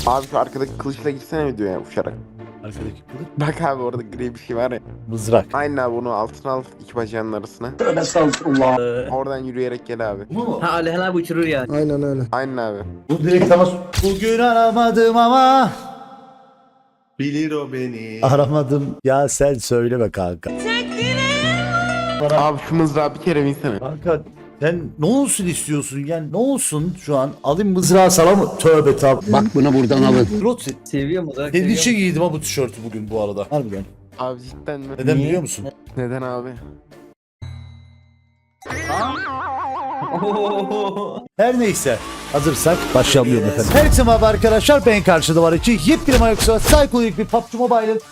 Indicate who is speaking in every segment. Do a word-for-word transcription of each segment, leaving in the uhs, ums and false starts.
Speaker 1: Abi şu arkadaki kılıçla gitsene videoya uçarak.
Speaker 2: Arkadaki kılıç.
Speaker 1: Bak abi orada gri bir şey var ya.
Speaker 2: Mızrak.
Speaker 1: Aynen abi onu altına al iki bacağının arasına.
Speaker 3: Estağfurullah.
Speaker 1: Oradan yürüyerek gel abi.
Speaker 3: Bu mu?
Speaker 4: Ha Alihan abi uçurur yani.
Speaker 5: Aynen öyle.
Speaker 1: Aynen abi.
Speaker 2: Bu direkt tamam. Bugün aramadım ama.
Speaker 6: Bilir o beni.
Speaker 2: Aramadım. Ya sen söyleme kanka.
Speaker 1: Abi şu mızrağı bir kere binsene.
Speaker 2: Kanka sen ne olsun istiyorsun yani ne olsun şu an alayım mızrağı sana mı? Tövbe tabi.
Speaker 5: Bak bunu buradan alın.
Speaker 2: Rotsi.
Speaker 4: Seviyor mu?
Speaker 2: Senin için giydim ha bu tişörtü bugün bu arada. Harbiden.
Speaker 1: Abi cidden mi?
Speaker 2: Neden
Speaker 4: Niye?
Speaker 2: biliyor musun?
Speaker 1: Neden abi?
Speaker 2: Her neyse. Hazırsak başlayalım diyorum efendim. Herkese merhaba arkadaşlar. Ben karşıda var için yepyeni Microsoft Psycholik bir P U B G Mobile'ın.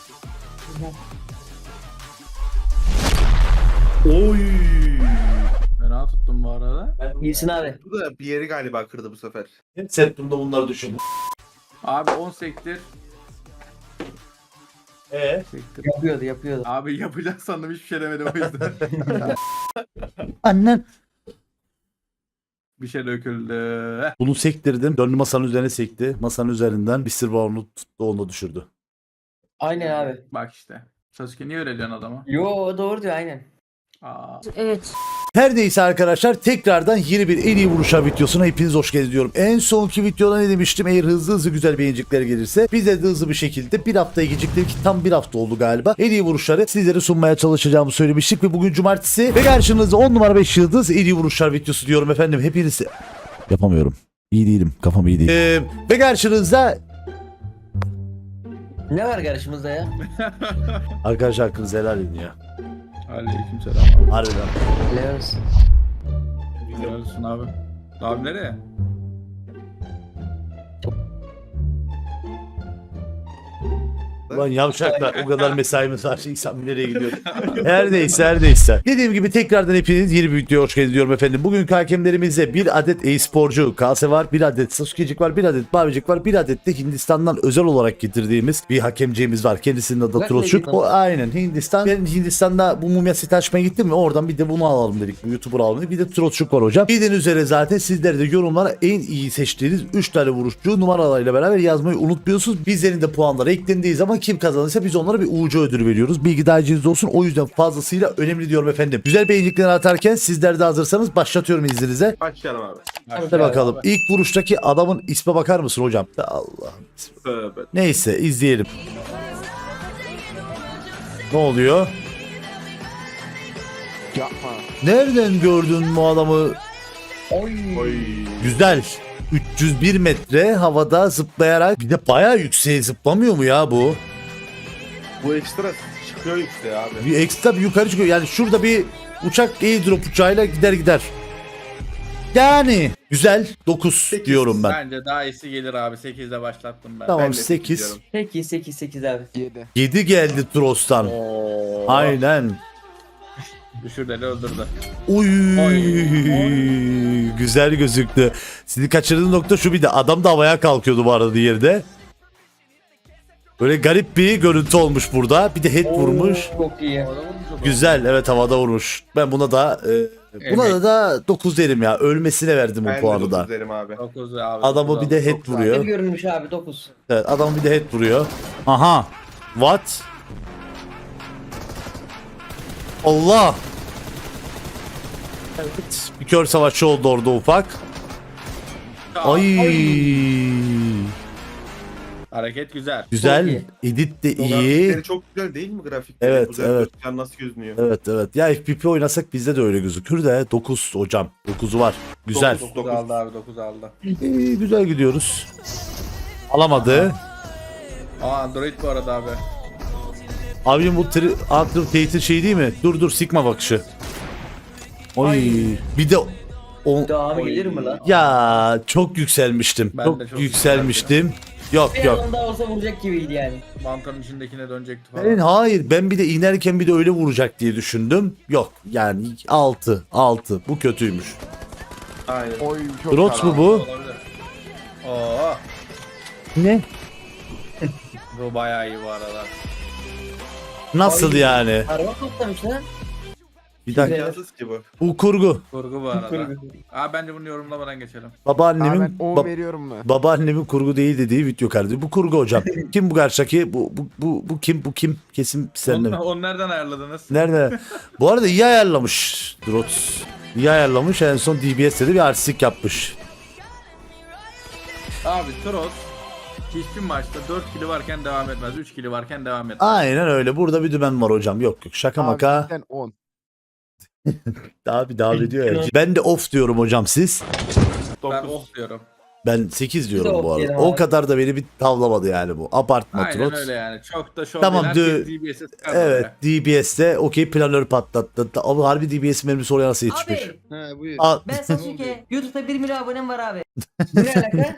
Speaker 6: Oy.
Speaker 7: Fena tuttum bu arada.
Speaker 4: İyisin abi.
Speaker 6: Bu da bir yeri galiba kırdı bu sefer.
Speaker 2: Settimde bunları düşündüm.
Speaker 7: Abi on sektir.
Speaker 2: Eee?
Speaker 7: Sektir.
Speaker 4: Yapıyordu yapıyordu.
Speaker 7: Abi yapacak sandım hiçbir şey demedim o yüzden.
Speaker 2: Annen.
Speaker 7: Bir şey döküldü.
Speaker 2: Bunu sektirdim. Döndü masanın üzerine sekti. Masanın üzerinden bir sır balonu tuttu onu düşürdü.
Speaker 4: Aynen abi.
Speaker 7: Bak işte. Sasuke niye öyle diyorsun adama?
Speaker 4: Yo doğru diyor aynen.
Speaker 7: Aa.
Speaker 8: Evet.
Speaker 2: Her neyse arkadaşlar tekrardan yeni bir en iyi vuruşlar videosuna hepiniz hoş geldiniz diyorum. En sonki videoda ne demiştim? Eğer hızlı hızlı güzel beğenicikler gelirse bize de hızlı bir şekilde bir haftaya geciktirdik ki tam bir hafta oldu galiba. En iyi vuruşları sizlere sunmaya çalışacağımı söylemiştik ve bugün cumartesi ve karşınızda on numara beş yıldız en iyi vuruşlar videosu diyorum efendim. Hepiniz yapamıyorum. İyi değilim. Kafam iyi değil. Ee, ve karşınızda
Speaker 4: Ne var karşımızda ya?
Speaker 2: arkadaşlar hakkınızı helal edin ya.
Speaker 7: Aleykümselam abi.
Speaker 2: Harbiden.
Speaker 4: Helal olsun.
Speaker 7: Helal olsun abi. Abi nereye?
Speaker 2: Lan yavşaklar o kadar mesaimiz var. İnsan nereye gidiyor? Her neyse her neyse. Dediğim gibi tekrardan hepiniz yeni bir videoya hoş geldiniz diyorum efendim. Bugünkü hakemlerimizde bir adet e-sporcu Kase var, bir adet Sasuke'cik var, bir adet Barbicik var, bir adet de Hindistan'dan özel olarak getirdiğimiz bir hakemciğimiz var. Kendisinin adı
Speaker 4: Bak
Speaker 2: Troşuk.
Speaker 4: ne
Speaker 2: O aynen Hindistan. Ben Hindistan'da bu mumya seti açmaya gittim mi oradan bir de bunu alalım dedik. Bu YouTuber alalım dedik. Bir de Troşuk var hocam. Bildiğiniz üzere zaten sizler de yorumlara en iyi seçtiğiniz üç tane vuruşçu numaralarıyla beraber yazmayı unutmuyorsunuz. Bizlerin de puanları eklendiği zaman kim kazanırsa biz onlara bir U C ödülü veriyoruz. Bilgi dahiliniz olsun. O yüzden fazlasıyla önemli diyorum efendim. Güzel beğenilikleri atarken sizler de hazırsanız başlatıyorum izninizle.
Speaker 6: Başlayalım abi.
Speaker 2: Hadi bakalım. İlk vuruştaki adamın isme bakar mısın hocam? Allah'ım.
Speaker 6: Tövbe.
Speaker 2: Neyse izleyelim. Ne oluyor?
Speaker 1: Yapma.
Speaker 2: Nereden gördün bu adamı?
Speaker 6: Oy.
Speaker 2: Güzel. üç yüz bir metre havada zıplayarak bir de bayağı yükseğe zıplamıyor mu ya bu?
Speaker 6: Bu ekstra çıkıyor yükseğe abi.
Speaker 2: Bir ekstra bir yukarı çıkıyor. Yani şurada bir uçak airdrop uçağıyla gider gider. Yani güzel dokuz diyorum ben.
Speaker 7: Bence daha iyisi gelir abi. sekizde başlattım ben.
Speaker 2: Tamam
Speaker 6: Ben de
Speaker 2: sekiz.
Speaker 6: diyorum.
Speaker 4: Peki sekiz sekiz abi.
Speaker 1: Yedi.
Speaker 2: yedi geldi Tros'tan.
Speaker 7: Oo.
Speaker 2: Aynen.
Speaker 7: Düşürdü öldürdü.
Speaker 2: Uy.
Speaker 7: Oy.
Speaker 2: Güzel gözüktü. Sizi kaçırdığım nokta şu, bir de adam da havaya kalkıyordu bu arada yerde. Böyle garip bir görüntü olmuş burada. Bir de head vurmuş.
Speaker 4: Çok iyi.
Speaker 2: Güzel, evet havada vurmuş. Ben buna da e, buna da, da dokuz derim ya. Ölmesine verdim
Speaker 6: Ben
Speaker 2: o
Speaker 6: de
Speaker 2: puanı da.
Speaker 6: dokuz derim abi.
Speaker 7: dokuz abi.
Speaker 2: Adamı
Speaker 7: dokuz
Speaker 2: bir de
Speaker 7: aldı.
Speaker 2: head
Speaker 7: Çok güzel.
Speaker 4: Ne
Speaker 2: vuruyor.
Speaker 4: görünmüş abi dokuz.
Speaker 2: Evet, adamı bir de head vuruyor. Aha. What? Allah. Evet. Bir kör savaşçı oldu orada ufak. Ay.
Speaker 7: Hareket güzel.
Speaker 2: Güzel.
Speaker 4: Çok
Speaker 2: Edit de iyi.
Speaker 6: Grafikleri çok güzel değil mi grafikleri?
Speaker 2: Evet,
Speaker 6: Güzel
Speaker 2: evet.
Speaker 6: gözüken nasıl gözünüyor?
Speaker 2: Evet evet. Ya F P P oynasak bizde de öyle gözükür de dokuz hocam. dokuzu var. Güzel.
Speaker 6: Dokuz.
Speaker 7: dokuz aldı abi dokuz aldı.
Speaker 2: İyi, güzel gidiyoruz. Alamadı.
Speaker 7: Aa Android bu arada abi.
Speaker 2: Abim bu tri Antrim Tate'in şey değil mi? Dur dur Sigma bakışı. Oy. Bir de o
Speaker 4: Devamı gelir mi lan?
Speaker 2: ya çok yükselmiştim.
Speaker 7: Ben
Speaker 2: çok,
Speaker 7: de çok
Speaker 2: yükselmiştim. Yok
Speaker 4: Bir
Speaker 2: yok.
Speaker 4: adam daha olsa vuracak gibiydi yani.
Speaker 7: Mantarın içindekine dönecekti falan.
Speaker 2: Ben, hayır ben bir de inerken bir de öyle vuracak diye düşündüm. Yok yani altı altı bu kötüymüş.
Speaker 6: Aynen.
Speaker 1: Oy çok
Speaker 2: Drots mu
Speaker 1: karanlık.
Speaker 2: bu?
Speaker 7: Olabilir. Oo.
Speaker 2: Ne?
Speaker 7: Bu bayağı iyi bu arada.
Speaker 2: Nasıl
Speaker 4: Ay.
Speaker 2: yani?
Speaker 4: Araba toplamış lan.
Speaker 2: Bir dakika.
Speaker 6: İmkansız ki bu.
Speaker 2: Bu kurgu.
Speaker 7: Kurgu bu arada.
Speaker 4: Kurgu.
Speaker 7: Abi bence bunu yorumlamadan geçelim.
Speaker 1: Abi
Speaker 2: Babaannemin
Speaker 1: ben on
Speaker 2: ba-
Speaker 1: veriyorum mu?
Speaker 2: babaannemin kurgu değil dediği video kardeşim. Bu kurgu hocam. Kim bu karşıdaki? Bu bu bu bu kim? Bu kim? Kesin sen de.
Speaker 7: Onu, onu nereden ayarladınız?
Speaker 2: Nerede? Bu arada iyi ayarlamış Drots. İyi ayarlamış. En son D B S'de de bir artistik yapmış.
Speaker 7: Abi Tross hiçbir maçta dört kili varken devam etmez. üç kili varken devam etmez.
Speaker 2: Aynen öyle. Burada bir dümen var hocam. Yok yok. Şaka
Speaker 1: Abi
Speaker 2: maka.
Speaker 1: cidden on.
Speaker 2: Abi devam ediyor ya. Ben de off diyorum hocam siz.
Speaker 7: Ben
Speaker 6: dokuz.
Speaker 7: off diyorum.
Speaker 2: Ben sekiz diyorum
Speaker 4: Biz de
Speaker 2: bu
Speaker 4: off
Speaker 2: arada.
Speaker 4: diyelim
Speaker 2: O
Speaker 4: abi.
Speaker 2: kadar da beni bir tavlamadı yani bu. Abartma
Speaker 7: Aynen
Speaker 2: Trots.
Speaker 7: öyle yani. Çok da şov
Speaker 2: Tamam,
Speaker 7: değil.
Speaker 2: dü-
Speaker 7: Herkes D B S'e sıkar
Speaker 2: Evet
Speaker 7: böyle.
Speaker 2: D B S'de okey planör patlattı. Ama harbi D B S mermisi oraya nasıl yetişmiş?
Speaker 3: Abi
Speaker 6: He buyur.
Speaker 2: Al.
Speaker 3: ben Sasuke. YouTube'da bir milyon abonem var abi.
Speaker 4: Bu ne alaka?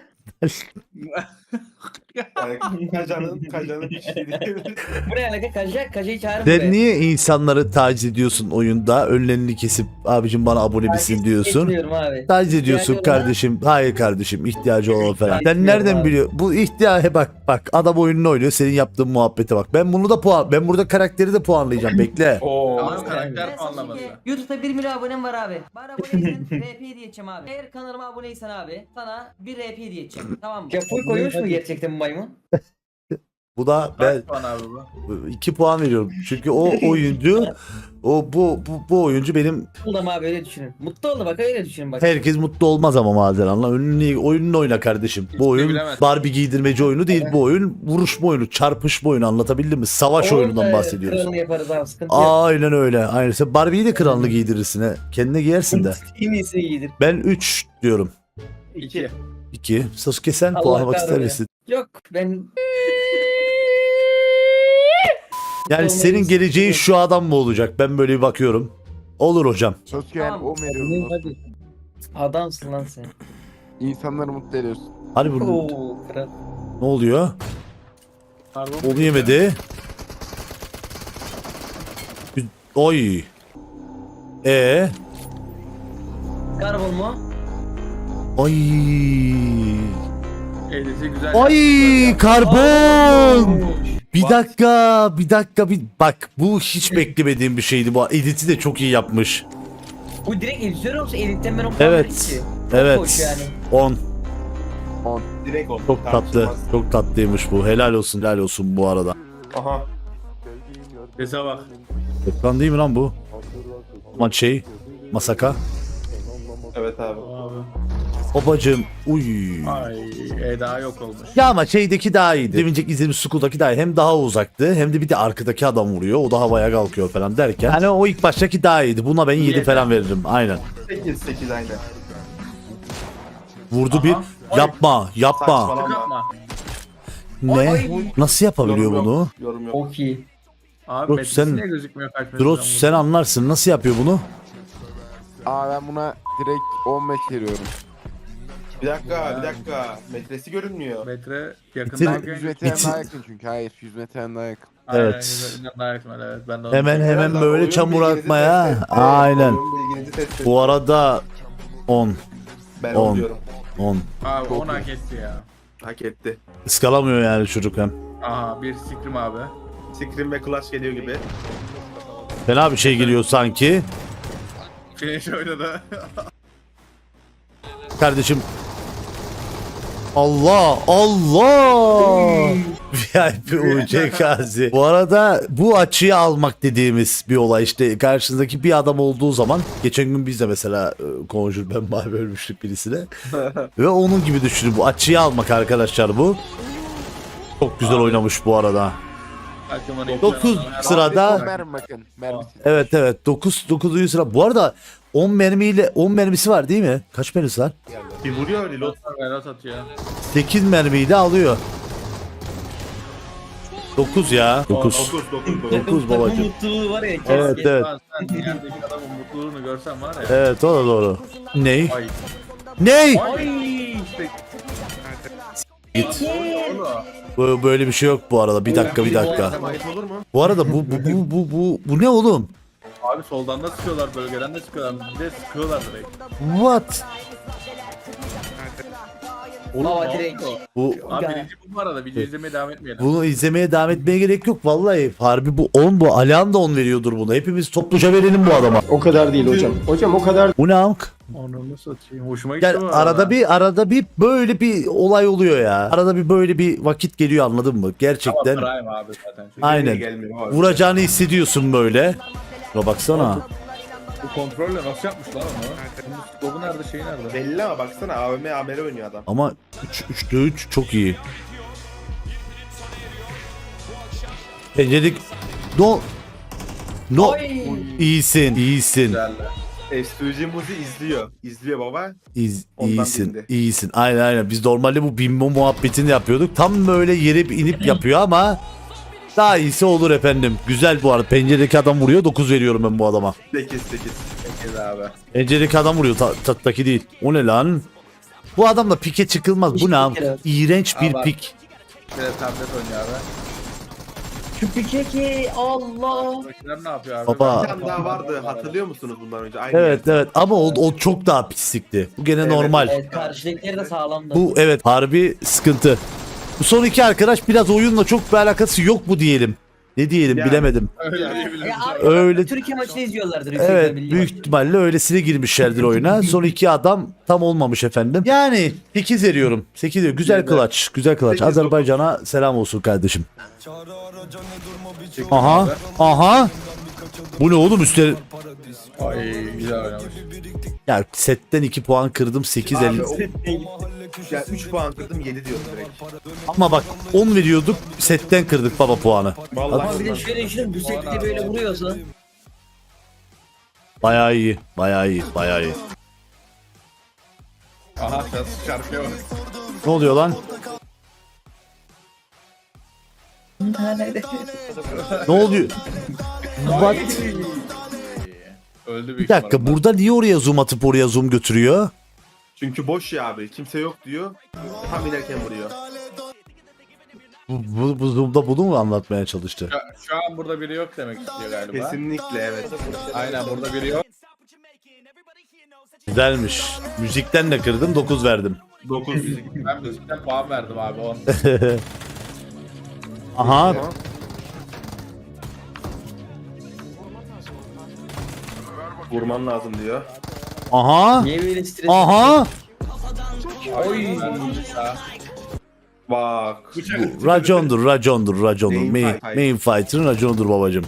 Speaker 6: Yani Kajan'ın Kajan'ın bir şey değil.
Speaker 4: Bu ne alaka? Kaja, Kaja'yı çağırın
Speaker 2: Sen
Speaker 4: buraya.
Speaker 2: niye insanları taciz ediyorsun oyunda? Önlerini kesip abicim bana abone misin
Speaker 4: Taciz
Speaker 2: diyorsun.
Speaker 4: etmiyorum abi.
Speaker 2: Taciz ediyorsun
Speaker 4: İhtiyacı olan-
Speaker 2: kardeşim. Hayır kardeşim ihtiyacı olan falan. Sen
Speaker 4: Etmiyorum
Speaker 2: nereden
Speaker 4: abi.
Speaker 2: biliyor? Bu ihtiyaç bak bak adam oyununu oynuyor. Senin yaptığın muhabbete bak. Ben bunu da puan ben burada karakteri de puanlayacağım. Bekle.
Speaker 6: Oo.
Speaker 7: Ama
Speaker 4: Ben
Speaker 7: karakter puanlaması.
Speaker 3: Sasuke. YouTube'da bir milyon abonem var abi. Bana aboneysen R P hediye edeceğim abi. Eğer kanalıma aboneysen abi sana bir R P hediye edeceğim. Tamam mı?
Speaker 4: Ya full koymuş mu gerçekten bu maymun?
Speaker 2: Bu da ben
Speaker 7: Kaç puan abi bu?
Speaker 2: iki puan veriyorum. Çünkü o oyuncu o bu bu, bu oyuncu benim
Speaker 4: Mutlu oldum abi öyle düşünün. Mutlu oldu bak öyle düşünün bak.
Speaker 2: herkes mutlu olmaz ama Mazeran'la. Önünü, oyununu oyna kardeşim. Bu
Speaker 7: Hiç de
Speaker 2: oyun
Speaker 7: bilemez.
Speaker 2: Barbie giydirmeci oyunu değil. Bu oyun vuruşma oyunu, çarpışma oyunu anlatabildim mi? Savaş oyunundan
Speaker 4: Orada
Speaker 2: bahsediyoruz.
Speaker 4: kralını yaparız abi sıkıntı yok.
Speaker 2: Aynen öyle. Aynen. Sen Barbie'yi de kralını giydirirsin he. Kendine giyersin de.
Speaker 4: En iyisini giydir.
Speaker 2: Ben üç diyorum.
Speaker 7: İki.
Speaker 2: iki. Sasuke sen
Speaker 4: Allah
Speaker 2: puanlamak ister
Speaker 4: kahretsin.
Speaker 2: misin?
Speaker 4: Yok ben
Speaker 2: Yani
Speaker 4: Olmayı
Speaker 2: senin geleceğin
Speaker 4: istiyorum.
Speaker 2: şu adam mı olacak? Ben böyle bir bakıyorum. Olur hocam.
Speaker 1: Sasuke yani
Speaker 3: Tamam.
Speaker 1: on veriyorum. dostum.
Speaker 4: adamsın lan sen.
Speaker 1: İnsanları mutlu ediyorsun.
Speaker 2: Hadi bunu.
Speaker 4: Oo kral.
Speaker 2: Ne oluyor?
Speaker 7: Pardon.
Speaker 2: Onu yemedi. Oy. E.
Speaker 4: Karbon mu?
Speaker 2: Ay.
Speaker 7: Elisi güzel.
Speaker 2: Ay karbon. Bir
Speaker 6: What?
Speaker 2: dakika, bir dakika bir bak bu hiç beklemediğim bir şeydi bu. Edit'i de çok iyi yapmış.
Speaker 4: Bu direkt editör musun? Editten ben o kadar
Speaker 2: Evet.
Speaker 4: ki.
Speaker 2: Evet.
Speaker 4: Hoş yani.
Speaker 2: on.
Speaker 6: Direkt oldu.
Speaker 2: Çok tatlı.
Speaker 6: Tartışmaz.
Speaker 2: Çok tatlıymış bu. Helal olsun, helal olsun bu arada.
Speaker 6: Aha.
Speaker 7: Sese bak.
Speaker 2: Ekran değil mi lan bu? Ama şey, Masaka.
Speaker 6: Evet abi.
Speaker 7: Abi.
Speaker 2: Babacım. Uy.
Speaker 7: Ay Eda yok olmuş.
Speaker 2: Ya ama şeydeki daha iyiydi. Demincek izlediğimiz Skull'daki daha iyi. Hem daha uzaktı hem de bir de arkadaki adam vuruyor. O da havaya kalkıyor falan derken. Hani o ilk baştaki daha iyiydi. Buna ben yedi
Speaker 7: Yedi.
Speaker 2: falan veririm. Aynen.
Speaker 6: sekiz sekiz aynen.
Speaker 2: Vurdu
Speaker 7: Aha.
Speaker 2: bir.
Speaker 7: Ay.
Speaker 2: Yapma, yapma.
Speaker 6: Saçmalama.
Speaker 7: Yapma.
Speaker 2: Ne? Nasıl yapabiliyor
Speaker 6: Yorum
Speaker 2: bunu?
Speaker 6: yok. Yorum yok.
Speaker 4: Çok iyi.
Speaker 7: Abi
Speaker 2: Drots,
Speaker 7: metresi
Speaker 2: sen-
Speaker 7: niye gözükmüyor kaç metreden
Speaker 2: Drots
Speaker 7: vurdu?
Speaker 2: sen anlarsın. Nasıl yapıyor bunu?
Speaker 1: Aa ben buna direkt on metre veriyorum.
Speaker 6: Bir dakika bir dakika. Metresi görünmüyor.
Speaker 7: Metre
Speaker 2: Bitir-
Speaker 7: yakındayken...
Speaker 1: yüz metreden
Speaker 2: Bitir-
Speaker 1: daha yakın çünkü. Hayır yüz metreden daha yakın.
Speaker 7: Aynen,
Speaker 2: Evet.
Speaker 7: yüzünden daha yakın, evet. Ben de onu
Speaker 2: Hemen
Speaker 7: düşünüyorum.
Speaker 2: hemen
Speaker 6: Biraz daha
Speaker 2: böyle
Speaker 6: oyun
Speaker 2: çamur
Speaker 6: bilginizi
Speaker 2: atmaya.
Speaker 6: test etti.
Speaker 2: Aynen.
Speaker 6: Oyun bilginizi test etti.
Speaker 2: Bu arada on.
Speaker 6: Ben
Speaker 2: on.
Speaker 6: onu diyorum.
Speaker 2: on.
Speaker 7: Abi
Speaker 1: Çok
Speaker 7: onu
Speaker 1: iyi.
Speaker 7: hak etti ya.
Speaker 6: Hak etti.
Speaker 2: Iskalamıyor yani çocuk hem.
Speaker 7: Aha bir sikrim abi.
Speaker 6: Scream ve Clash geliyor gibi.
Speaker 2: Fena bir şey geliyor sanki.
Speaker 7: Finish oynadı.
Speaker 2: Kardeşim. Allah Allah. V I P U C Gazi. Bu arada bu açıyı almak dediğimiz bir olay işte karşınızdaki bir adam olduğu zaman geçen gün biz de mesela e, Conjure ben mavi ölmüştük birisine ve onun gibi düşünün bu açıyı almak arkadaşlar bu. Çok güzel oynamış bu arada. Dokuz sırada-
Speaker 1: on mermi bakın. Mermisi.
Speaker 2: Evet evet dokuz dokuzuncu sıra. Bu arada on mermiyle on mermisi var değil mi? Kaç mermisi var?
Speaker 6: Bir vuruyor öyle lot.
Speaker 7: Berat atıyor.
Speaker 2: sekiz mermiyle alıyor. dokuz ya. dokuz.
Speaker 6: dokuz dokuz dokuz.
Speaker 2: dokuz
Speaker 4: Takım
Speaker 2: babacım.
Speaker 4: mutluluğu var ya. keşke.
Speaker 2: Evet evet.
Speaker 7: Lan sen yerdeki adamın mutluluğunu görsen var ya.
Speaker 2: Evet o da doğru. Ney?
Speaker 7: Ay.
Speaker 2: Ney?
Speaker 7: Ay işte.
Speaker 2: Git.
Speaker 7: Oğlum.
Speaker 2: Bu- Böyle bir şey yok bu arada. Bir dakika bir dakika.
Speaker 6: Ait olur mu?
Speaker 2: Bu arada bu bu bu bu bu, bu ne oğlum?
Speaker 7: Abi soldan da sıkıyorlar, bölgeden de sıkıyorlar. Bir de sıkıyorlar direkt.
Speaker 2: What?
Speaker 4: Baba direkt.
Speaker 2: Bu
Speaker 7: Abi birinci bu arada video izlemeye devam etmeyelim.
Speaker 2: bunu izlemeye devam etmeye gerek yok vallahi. Harbi bu on bu. Alihan da on veriyordur bunu. Hepimiz topluca verelim bu adama.
Speaker 5: O kadar değil hocam. Hocam o kadar
Speaker 2: Bu ne amk?
Speaker 7: Onu nasıl atayım? Hoşuma gitti
Speaker 2: Gel
Speaker 7: bu
Speaker 2: arada bir arada bir böyle bir olay oluyor ya. Arada bir böyle bir vakit geliyor anladın mı? Gerçekten.
Speaker 7: Ama Prime abi zaten. Çünkü
Speaker 2: Aynen.
Speaker 6: gelmiyor abi.
Speaker 2: Vuracağını hissediyorsun böyle. Şuna baksana.
Speaker 7: bu kontrolle nasıl yapmış lan onu? Dogu nerede şey nerede?
Speaker 6: Belli ama baksana A V M Amer'e oynuyor adam.
Speaker 2: Ama üçte üç çok iyi. Penceredik. No. No. İyisin, iyisin.
Speaker 7: Güzel.
Speaker 6: S iki G Muzi izliyor. İzliyor baba.
Speaker 2: İz,
Speaker 6: Ondan
Speaker 2: iyisin,
Speaker 6: bindi.
Speaker 2: iyisin. Aynen aynen. Biz normalde bu bimbo muhabbetini yapıyorduk. Tam böyle yere inip yapıyor ama daha iyisi olur efendim. Güzel bu arada. Penceredeki adam vuruyor. dokuz veriyorum ben bu adama.
Speaker 6: sekiz sekiz.
Speaker 7: Sekiz abi.
Speaker 2: Penceredeki adam vuruyor. Ta tattaki değil. O ne lan? Bu adamla pike çıkılmaz. Bu ne? am- İğrenç bir
Speaker 7: Ama-
Speaker 2: pik.
Speaker 7: Bir de tablet oynuyor abi.
Speaker 4: Şu pike ki Allah.
Speaker 7: Buradakiler ne yapıyor abi?
Speaker 2: Baba.
Speaker 6: Bir tane daha vardı. Hatırlıyor musunuz bundan önce? Aynı
Speaker 2: Evet evet ama o, o çok daha pislikti. Bu gene
Speaker 6: Evet,
Speaker 2: normal.
Speaker 4: Evet karşıdakileri de sağlamdı.
Speaker 2: Bu evet harbi sıkıntı. Bu son iki arkadaş biraz oyunla çok bir alakası yok bu diyelim. Ne diyelim
Speaker 6: Yani.
Speaker 2: bilemedim.
Speaker 7: Öyle diyebiliriz.
Speaker 4: Ya abi,
Speaker 2: Öyle
Speaker 4: Türkiye maçını izliyorlardır. yüksek
Speaker 2: evet
Speaker 4: ihtimalle.
Speaker 2: büyük ihtimalle öylesine girmişlerdir oyuna. Son iki adam tam olmamış efendim. Yani sekiz veriyorum. sekiz diyor. Güzel kılaç. Güzel kılaç.
Speaker 6: sekiz,
Speaker 2: Azerbaycan'a selam olsun kardeşim. Aha. Aha. Bu ne oğlum üstleri?
Speaker 7: Ay güzel oynamış.
Speaker 2: Ya setten iki puan kırdım sekiz
Speaker 6: Abi,
Speaker 2: elli.
Speaker 6: o- ya üç puan kırdım yedi diyorum direkt.
Speaker 2: Ama bak on veriyorduk setten kırdık baba puanı.
Speaker 6: Vallahi
Speaker 4: Ama bir de şöyle düşünün bu sette böyle vuruyorsa.
Speaker 2: Bayağı iyi. Bayağı iyi. Bayağı iyi.
Speaker 7: Aha şarkıya bak.
Speaker 2: Ne oluyor lan? Ne oluyor? What?
Speaker 7: Öldü
Speaker 2: Bir
Speaker 7: büyük
Speaker 2: dakika
Speaker 7: ihtimalle.
Speaker 2: burada niye oraya zoom atıp oraya zoom götürüyor?
Speaker 6: Çünkü boş ya abi. Kimse yok diyor. Tam inerken vuruyor.
Speaker 2: Bu, bu, bu zoom'da bunu mu anlatmaya çalıştı?
Speaker 7: Şu, şu an burada biri yok demek istiyor galiba.
Speaker 6: Kesinlikle evet.
Speaker 7: Aynen burada biri yok.
Speaker 2: Güzelmiş. Müzikten de kırdım dokuz verdim.
Speaker 6: dokuz.
Speaker 7: Ben müzikten puan verdim abi on.
Speaker 2: Aha.
Speaker 6: Vurman lazım diyor.
Speaker 2: Aha.
Speaker 4: Niye böyle stres?
Speaker 2: Aha.
Speaker 7: Oy.
Speaker 6: Bak.
Speaker 2: Bu racondur, racondur, racondur.
Speaker 6: Main
Speaker 2: Main,
Speaker 6: fight.
Speaker 2: main fighter'ın raconudur babacım.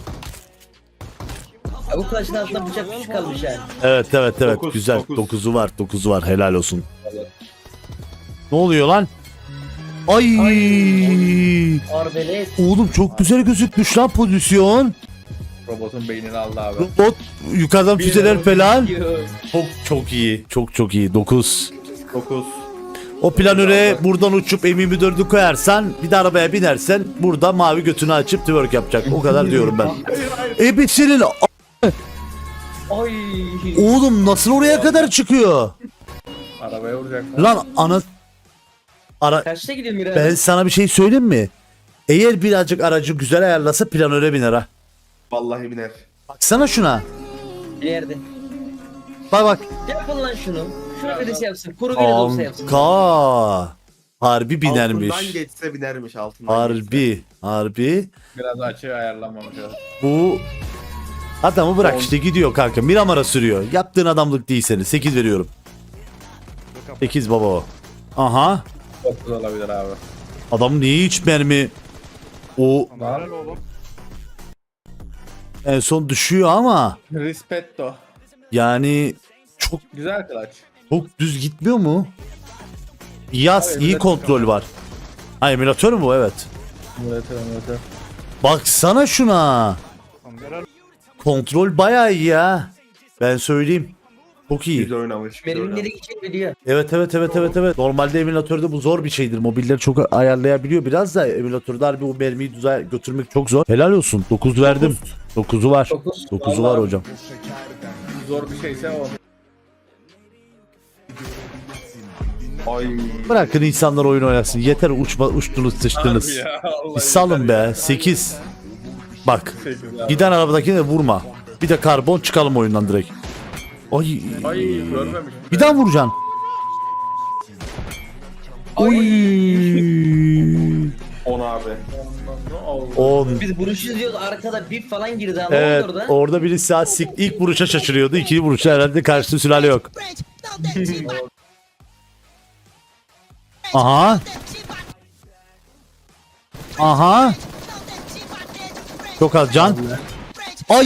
Speaker 4: Ya bu kılıçın altında bıçak küçük kalmış yani.
Speaker 2: Evet evet evet
Speaker 6: Dokuz,
Speaker 2: güzel.
Speaker 6: dokuz.
Speaker 2: Dokuzu var, dokuzu var. Helal olsun. Ne oluyor lan? Ay.
Speaker 4: Arbelet.
Speaker 2: Oğlum çok güzel gözükmüş lan pozisyon.
Speaker 7: Robotun beynini aldı abi.
Speaker 2: Robot yukarıdan füzeler falan.
Speaker 4: Diyor.
Speaker 2: Çok çok iyi. Çok çok iyi. dokuz.
Speaker 6: dokuz.
Speaker 2: O planöre buradan uçup M yirmi dördü koyarsan bir de arabaya binersen burada mavi götünü açıp twerk yapacak. O kadar diyorum ben. Ebesinin
Speaker 4: Ay.
Speaker 2: oğlum nasıl oraya kadar çıkıyor?
Speaker 7: Arabaya vuracak.
Speaker 2: Lan ana ara
Speaker 4: Kaçta gidiyor Mira?
Speaker 2: ben sana bir şey söyleyeyim mi? Eğer birazcık aracı güzel ayarlasa planöre biner ha.
Speaker 6: Vallahi biner.
Speaker 2: Baksana şuna.
Speaker 4: Bir yerde.
Speaker 2: Bak bak.
Speaker 4: Yapın lan şunu. Şunu birisi yapsın. Kuru biri de olsa yapsın.
Speaker 2: Kanka. Harbi binermiş.
Speaker 6: Altından geçse binermiş altından. geçse.
Speaker 2: Harbi. Harbi.
Speaker 7: Biraz açı ayarlanmamış abi.
Speaker 2: Bu adamı bırak işte gidiyor kanka. Miramar'a sürüyor. Yaptığın adamlık değil senin. sekiz veriyorum. sekiz baba o. Aha.
Speaker 7: Çok güzel olabilir abi.
Speaker 2: Adam niye hiç mermi o
Speaker 7: Lan.
Speaker 2: en son düşüyor ama
Speaker 7: Rispetto.
Speaker 2: yani çok
Speaker 7: Güzel kılaç.
Speaker 2: çok düz gitmiyor mu? Yaz
Speaker 7: Abi,
Speaker 2: iyi
Speaker 7: emülatör
Speaker 2: kontrol var. Ha emülatör mü bu? Evet.
Speaker 7: Evet evet.
Speaker 2: Baksana şuna. Kontrol bayağı iyi ya. Ben söyleyeyim. Çok iyi.
Speaker 6: Güzel oynamış. güzel
Speaker 4: Mermin
Speaker 6: oynamış.
Speaker 4: nereye gideceğini biliyor.
Speaker 2: Evet evet evet evet evet. Normalde emülatörde bu zor bir şeydir. Mobilleri çok ayarlayabiliyor biraz da emülatörde harbi o mermiyi düze götürmek çok zor. Helal olsun. dokuz verdim. dokuzu var.
Speaker 4: Dokuz.
Speaker 2: dokuzu var
Speaker 7: Vallahi.
Speaker 2: hocam.
Speaker 7: Zor bir şeyse o.
Speaker 6: Ay.
Speaker 2: Bırakın insanlar oyun oynasın. Yeter uçma, uçtunuz sıçtınız.
Speaker 7: Harbi ya, vallahi
Speaker 2: Bir salın
Speaker 7: yeter
Speaker 2: be. sekiz. Bak.
Speaker 7: ya. Sekiz abi.
Speaker 2: Giden arabadakine de vurma. Bir de karbon çıkalım oyundan direkt. Ay.
Speaker 7: Ay görmemiş.
Speaker 2: Bir daha vuracaksın.
Speaker 6: on abi.
Speaker 2: on.
Speaker 4: Biz vuruş izliyoruz arkada bip falan girdi ama
Speaker 2: Evet,
Speaker 4: orada.
Speaker 2: orada biri saat sik ilk vuruşa şaşırıyordu. İkinci vuruşta herhalde karşısında sülale yok. Aha. Aha. Çok az can. Ay.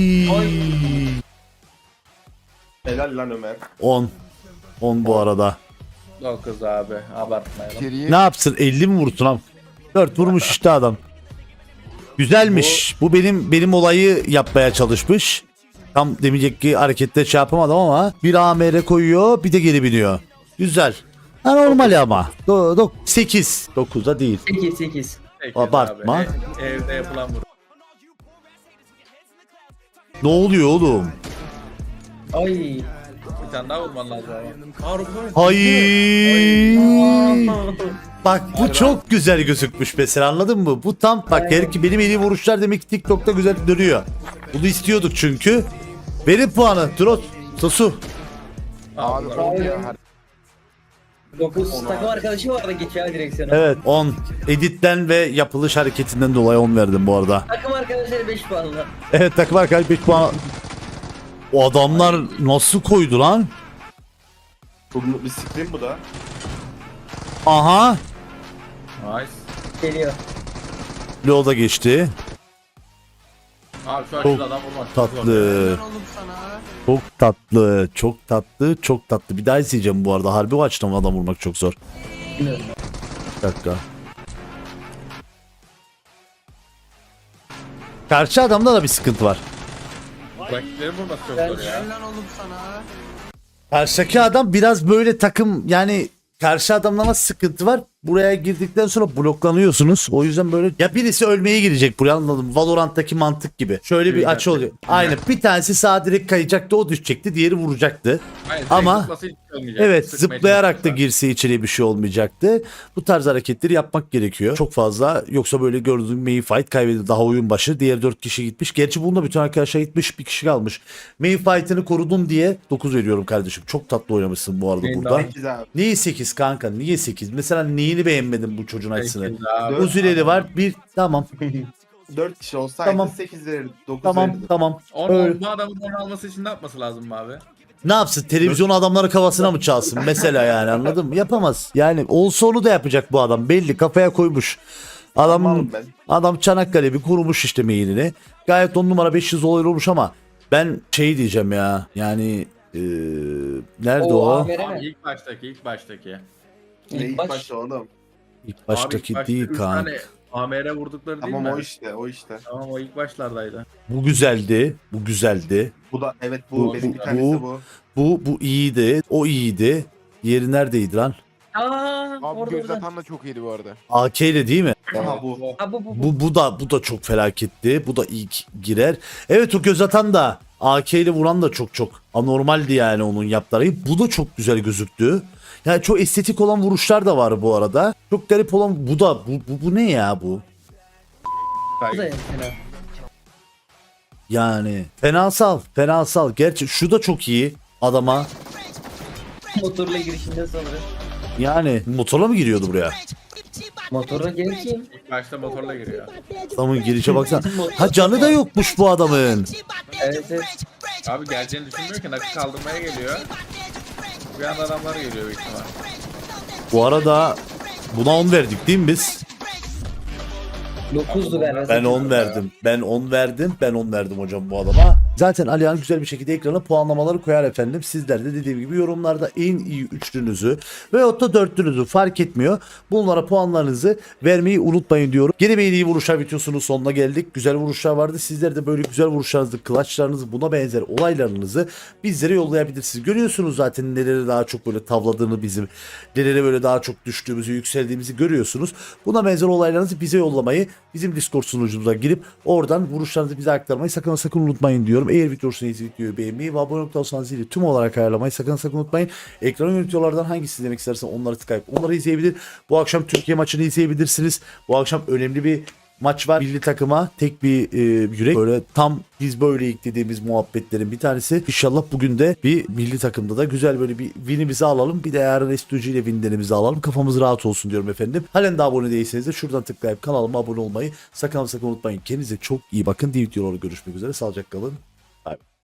Speaker 6: Helal lan Ömer.
Speaker 2: on. on bu arada.
Speaker 7: dokuz abi abartmayalım.
Speaker 1: İçeriye
Speaker 2: Ne yapsın? elli mi vursun abi? dört vurmuş işte adam. Güzelmiş. Bu benim benim olayı yapmaya çalışmış. Tam demeyecek ki harekette şey yapamadım ama bir A M R koyuyor, bir de geri biniyor. Güzel. Ha, normal ama. Do, do, sekiz. dokuzda değil.
Speaker 4: sekiz sekiz.
Speaker 7: sekiz
Speaker 2: Abartma.
Speaker 7: abi. E- evde yapılan vuruş.
Speaker 2: Ne oluyor oğlum?
Speaker 4: Ay.
Speaker 7: Bir tane daha vurman lazım ama.
Speaker 2: Hayır. Bak bu çok güzel gözükmüş mesela, anladın mı? Bu tam bak, her ki benim en iyi vuruşlar demek ki TikTok'ta güzel dönüyor. Bunu istiyorduk çünkü. Verin puanı. Trot. Sosu.
Speaker 1: abi on ya. Her-
Speaker 4: dokuz takım arkadaşı vardı geçiyor direksiyona.
Speaker 2: Evet on. Editten ve yapılış hareketinden dolayı on verdim bu arada.
Speaker 4: Takım arkadaşları beş puanla.
Speaker 2: Evet, takım arkadaş beş puan. O adamlar nasıl koydu lan?
Speaker 6: Bu bir screen bu da.
Speaker 2: Aha.
Speaker 7: Nice.
Speaker 4: Geliyor.
Speaker 2: Leo da geçti.
Speaker 7: Abi şu
Speaker 2: Çok
Speaker 7: açıda adam vurmak çok zor.
Speaker 2: Tatlı. Çok tatlı. Çok tatlı. Çok tatlı. Bir daha izleyeceğim bu arada. Harbi o açıdan adam vurmak çok zor.
Speaker 4: Bilmiyorum.
Speaker 2: Bir dakika. Karşı adamda da bir sıkıntı var.
Speaker 7: Rakipleri vurmak çok zor ya.
Speaker 2: Karşıdaki adam biraz böyle takım, yani karşı adamla nasıl sıkıntı var? Buraya girdikten sonra bloklanıyorsunuz. O yüzden böyle ya birisi ölmeye girecek buraya, anladım. Valorant'taki mantık gibi. Şöyle bir açı oluyor. Aynen. Bir tanesi sağa direkt kayacaktı, o düşecekti. Diğeri vuracaktı.
Speaker 7: Hayır,
Speaker 2: Ama-
Speaker 7: direkt zıplasa hiç şey olmayacak.
Speaker 2: Evet,
Speaker 7: Sıkmaya
Speaker 2: zıplayarak da
Speaker 7: çalışırsa.
Speaker 2: girse içeriye bir şey olmayacaktı. Bu tarz hareketleri yapmak gerekiyor. Çok fazla, yoksa böyle gördüğün main fight kaybediyor. Daha oyun başı. Diğer dört kişi gitmiş. Gerçi bunda bütün arkadaşlar gitmiş. Bir kişi kalmış. Main fight'ını korudun diye dokuz veriyorum kardeşim. Çok tatlı oynamışsın bu arada
Speaker 7: Main
Speaker 2: burada.
Speaker 6: sekiz abi.
Speaker 2: Niye sekiz kanka? Niye sekiz? Mesela neyini beğenmedin bu çocuğun açısını?
Speaker 7: Sekiz abi.
Speaker 2: Uzileri var. Bir tamam.
Speaker 6: dört kişi olsaydı
Speaker 2: Tamam.
Speaker 6: sekiz verirdi. dokuz
Speaker 2: Tamam.
Speaker 6: verirdi.
Speaker 2: Tamam.
Speaker 7: On,
Speaker 2: Öyle.
Speaker 7: on, bu adamın onu alması için ne yapması lazım abi?
Speaker 2: Ne yapsın? Televizyon adamları kafasına mı çalsın? Mesela yani, anladın mı? Yapamaz. Yani olsa onu da yapacak bu adam. Belli, kafaya koymuş. Adam
Speaker 6: Tamam ben.
Speaker 2: adam Çanakkale bir kurmuş işte mailini. Gayet on numara beş yüz olay olmuş ama ben şey diyeceğim ya. Yani eee, nerede o?
Speaker 4: A M R
Speaker 7: Abi
Speaker 4: mi?
Speaker 7: ilk baştaki ilk baştaki.
Speaker 6: Ne
Speaker 4: İlk
Speaker 6: ilk
Speaker 4: baş.
Speaker 6: başta oğlum.
Speaker 2: İlk
Speaker 7: Abi
Speaker 2: baştaki
Speaker 7: ilk başta
Speaker 2: değil
Speaker 7: üç
Speaker 2: kanka.
Speaker 7: tane A M R vurdukları değil
Speaker 6: Tamam
Speaker 7: mi?
Speaker 6: o işte o işte.
Speaker 7: Tamam o ilk başlardaydı.
Speaker 2: Bu güzeldi. Bu güzeldi.
Speaker 6: Bu da evet bu,
Speaker 2: Bu-
Speaker 6: benim
Speaker 2: bu-
Speaker 6: bir tanesi
Speaker 2: bu-
Speaker 6: bu.
Speaker 2: Bu bu iyiydi. O iyiydi. Yeri neredeydi lan?
Speaker 4: Aa,
Speaker 1: Abi
Speaker 4: orada
Speaker 1: göz
Speaker 4: orada.
Speaker 1: atan da çok iyiydi bu arada.
Speaker 2: A K ile değil mi?
Speaker 6: Aha bu.
Speaker 4: Ha bu bu bu.
Speaker 2: Bu bu da bu da çok felaketti. Bu da ilk girer. Evet, o göz atan da A K ile vuran da çok çok anormaldi yani onun yaptığı. Bu da çok güzel gözüktü. Yani çok estetik olan vuruşlar da var bu arada. Çok garip olan bu da bu bu, bu ne ya bu?
Speaker 4: Bu da fena.
Speaker 2: Yani fenasal, fenasal. Gerçi şu da çok iyi adama.
Speaker 4: Motorla girişinde sonra.
Speaker 2: Yani motorla mı giriyordu buraya?
Speaker 4: Motorla gelirken.
Speaker 7: İlk başta motorla giriyor.
Speaker 2: Adamın girişe baksana. Ha, canı da yokmuş bu adamın.
Speaker 4: Evet evet.
Speaker 7: Abi geleceğini düşünmüyor ki nakı kaldırmaya geliyor. Bir anda adamlar geliyor büyük ihtimal.
Speaker 2: Bu arada buna on verdik değil mi biz?
Speaker 4: dokuzdu galiba.
Speaker 2: Ben on verdim. Ben on verdim. Ben on verdim hocam bu adama. Zaten Alihan güzel bir şekilde ekrana puanlamaları koyar efendim. Sizler de dediğim gibi yorumlarda en iyi üçlünüzü veyahut da dörtlünüzü fark etmiyor. Bunlara puanlarınızı vermeyi unutmayın diyorum. Gene bir en iyi vuruşlar videosunun sonuna geldik. Güzel vuruşlar vardı. Sizler de böyle güzel vuruşlarınızı, clutchlarınızı, buna benzer olaylarınızı bizlere yollayabilirsiniz. Görüyorsunuz zaten nelere daha çok böyle tavladığını bizim, nelere böyle daha çok düştüğümüzü, yükseldiğimizi görüyorsunuz. Buna benzer olaylarınızı bize yollamayı, bizim Discord sunucumuza girip oradan vuruşlarınızı bize aktarmayı sakın sakın unutmayın diyorum. Eğer video hoşuna gittiyse videoyu beğenmeyi ve abone olursanız zili tüm olarak ayarlamayı sakın sakın unutmayın. Ekran yönetiyorlardan hangisi izlemek istersen onları tıklayıp onları izleyebilir. Bu akşam Türkiye maçını izleyebilirsiniz. Bu akşam önemli bir maç var. Milli takıma tek bir e, yürek. Böyle tam biz böyle dediğimiz muhabbetlerin bir tanesi. İnşallah bugün de bir milli takımda da güzel böyle bir winimizi alalım. Bir de yarın S iki G ile winlerimizi alalım. Kafamız rahat olsun diyorum efendim. Halen de abone değilseniz de şuradan tıklayıp kanalıma abone olmayı sakın sakın unutmayın. Kendinize çok iyi bakın. Diğer videolarda görüşmek üzere. Sağlıcakla kalın.